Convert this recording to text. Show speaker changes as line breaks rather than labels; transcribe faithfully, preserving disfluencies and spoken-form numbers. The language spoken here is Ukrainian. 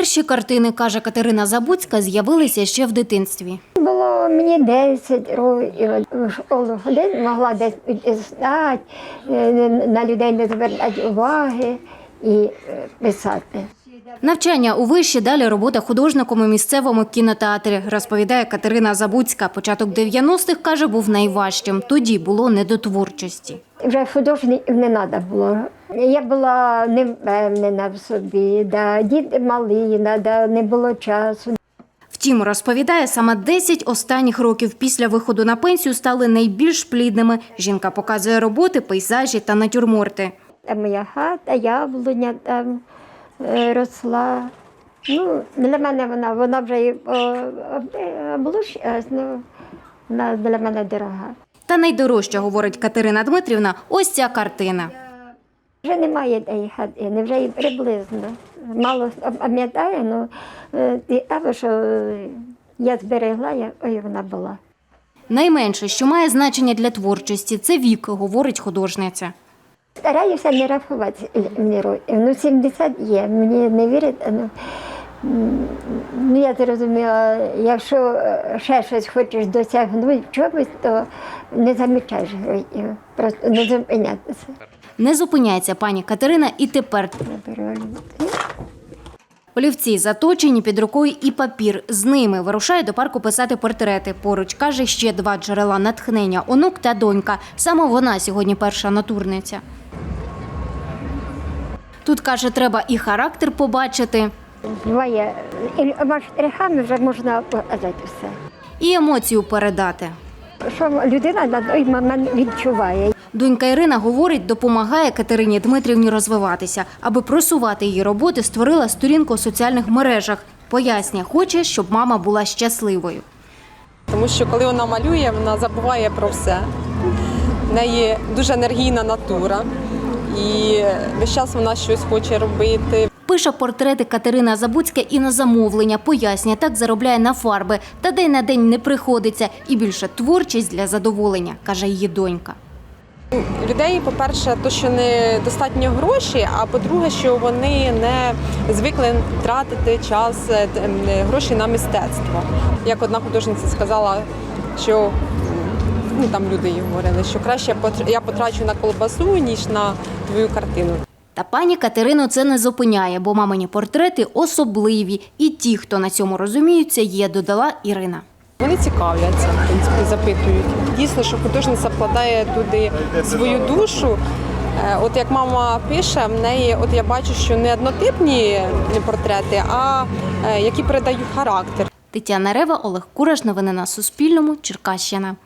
Перші картини, каже Катерина Забуцька, з'явилися ще в дитинстві.
Було мені десять років, в школу ходити, могла десь стати, на людей не звертати уваги і писати.
Навчання у виші, далі робота художником у місцевому кінотеатрі, розповідає Катерина Забуцька. Початок дев'яностих, каже, був найважчим. Тоді було не до творчості.
Вже художників не треба було. Я була невпевнена в собі, да, діти малі, да, не було часу.
Втім, розповідає, саме десять останніх років після виходу на пенсію стали найбільш плідними. Жінка показує роботи, пейзажі та натюрморти.
Там моя хата, яблуня там росла. Ну, для мене вона, вона вже і облущилась, ну, вона для мене дорога.
Та найдорожча, говорить Катерина Дмитрівна, ось ця картина.
Вже немає тієї хатини, вже і приблизно. Мало пам'ятаю, але що я зберегла, ой, вона була.
Найменше, що має значення для творчості – це вік, говорить художниця.
Стараюся не рахувати мені років. Ну, сімдесят є, мені не вірите. Ну, ну, я зрозуміла, якщо ще щось хочеш досягнути в чомусь, то не замічаєш років, просто не зупинятися.
Не зупиняється пані Катерина і тепер. Олівці заточені, під рукою і папір. З ними вирушає до парку писати портрети. Поруч, каже, ще два джерела натхнення – онук та донька. Саме вона сьогодні перша натурниця. Тут, каже, треба і характер побачити,
Буває, і штрихами вже можна показати все.
і емоцію передати.
Що людина на той момент відчуває.
Донька Ірина, говорить, допомагає Катерині Дмитрівні розвиватися. Аби просувати її роботи, створила сторінку у соціальних мережах. Пояснює, хоче, щоб мама була щасливою.
Тому що коли вона малює, вона забуває про все. В неї дуже енергійна натура і весь час вона щось хоче робити.
Пише портрети Катерина Забуцька і на замовлення. Пояснює, так заробляє на фарби. Та день на день не приходиться. І більше творчість для задоволення, каже її донька.
Людей, по-перше, то, що не достатньо гроші, а по-друге, що вони не звикли тратити час, гроші на мистецтво. Як одна художниця сказала, що ну, там люди їй говорили, що краще я потрачу на колбасу, ніж на твою картину.
Та пані Катерину це не зупиняє, бо мамині портрети особливі. І ті, хто на цьому розуміються, є, додала Ірина.
Вони цікавляться, в принципі, запитують. Дійсно, що художниця вкладає туди свою душу. От як мама пише, в неї, от я бачу, що не однотипні портрети, а які передають характер.
Тетяна Рева, Олег Кураш. Новини на Суспільному. Черкащина.